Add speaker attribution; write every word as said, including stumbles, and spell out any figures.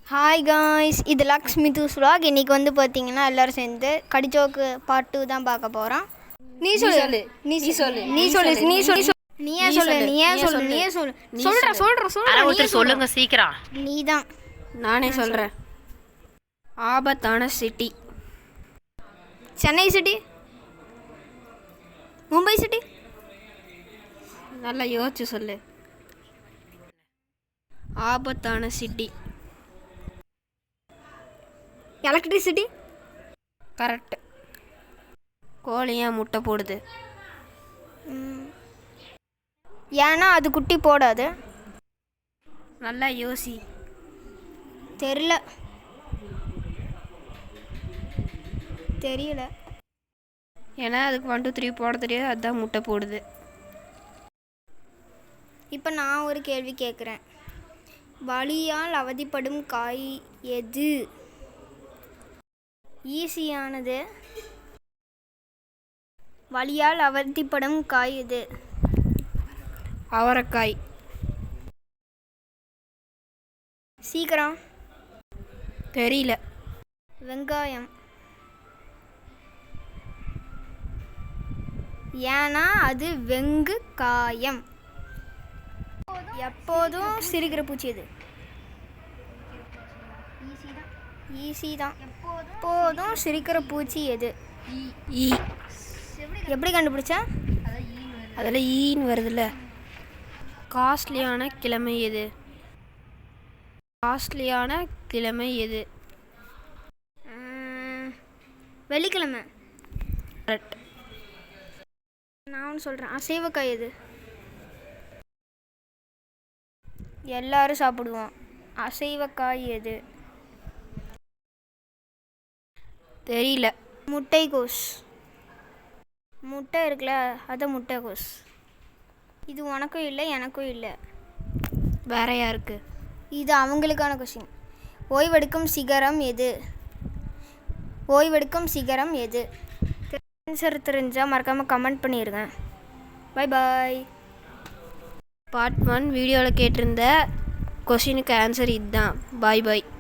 Speaker 1: Hi guys, இது Lakshmi தூஸ் vlog. இன்றைக்கி வந்து பார்த்தீங்கன்னா எல்லோரும் சேர்ந்து கடிச்சோக்கு பார்ட் டூ தான் பார்க்க போகிறோம். நீ சொல்லு நீ சொல்லு நீ சொல்லு நீ சொல்லு நீயே சொல்லு நீயே சொல்லு நீயே சொல்லு சொல்கிற சொல்கிற சொல்கிற
Speaker 2: சொல்லுங்க சீக்கிரம்.
Speaker 1: நீ தான்.
Speaker 3: நானே சொல்கிறேன். ஆபத்தான city.
Speaker 1: Chennai city, Mumbai city.
Speaker 3: நல்லா யோசிச்சு சொல்லு. ஆபத்தான சிட்டி.
Speaker 1: எலக்ட்ரிசிட்டி.
Speaker 3: கரெக்ட். கோழியாக முட்டை போடுது.
Speaker 1: ஏன்னா அது குட்டி போடாது.
Speaker 3: நல்லா யோசி.
Speaker 1: தெரியல தெரியல
Speaker 3: ஏன்னா அதுக்கு ஒன் டூ த்ரீ போட தெரியாது, அதுதான் முட்டை போடுது.
Speaker 1: இப்போ நான் ஒரு கேள்வி கேட்குறேன். வலியால் அவதிப்படும் காய் எது? ஈஸியானது. வலியால் அவதிப்படும் காய் எது?
Speaker 3: அவரைக்காய்.
Speaker 1: சீக்கிரம்.
Speaker 3: தெரியல.
Speaker 1: வெங்காயம். ஏன்னா அது வெங்கு காயம். எப்போதும் சிரிக்கிற பூச்சி எது? ஈஸி தான். எப்போதும் சிரிக்கிற பூச்சி எது?
Speaker 3: ஈ.
Speaker 1: எப்படி கண்டுபிடிச்ச?
Speaker 3: அதில் ஈன்னு வருதுல்ல. காஸ்ட்லியான கிழமை எது? காஸ்ட்லியான கிழமை எது?
Speaker 1: வெள்ளிக்கிழமை.
Speaker 3: கரெக்ட்.
Speaker 1: நான் ஒன்று சொல்கிறேன். அசைவக்காய் எது? எல்லாரும் சாப்பிடுவோம். அசைவக்காய் எது?
Speaker 3: தெரியல.
Speaker 1: முட்டைக்கோஸ். முட்டை இருக்குல்ல, அது முட்டைக்கோஸ். இது உனக்கும் இல்லை எனக்கும் இல்லை.
Speaker 3: வேற யாருக்கு?
Speaker 1: இது அவங்களுக்கான கொஷின். ஓய்வெடுக்கும் சிகரம் எது? ஓய்வெடுக்கும் சிகரம் எது? ஆன்சர் தெரிஞ்சால் மறக்காமல் கமெண்ட் பண்ணிடுங்க. Bye bye.
Speaker 3: பார்ட் ஒன் வீடியோவில் கேட்டிருந்த கொஷினுக்கு ஆன்சர் இதுதான். பாய் பாய்.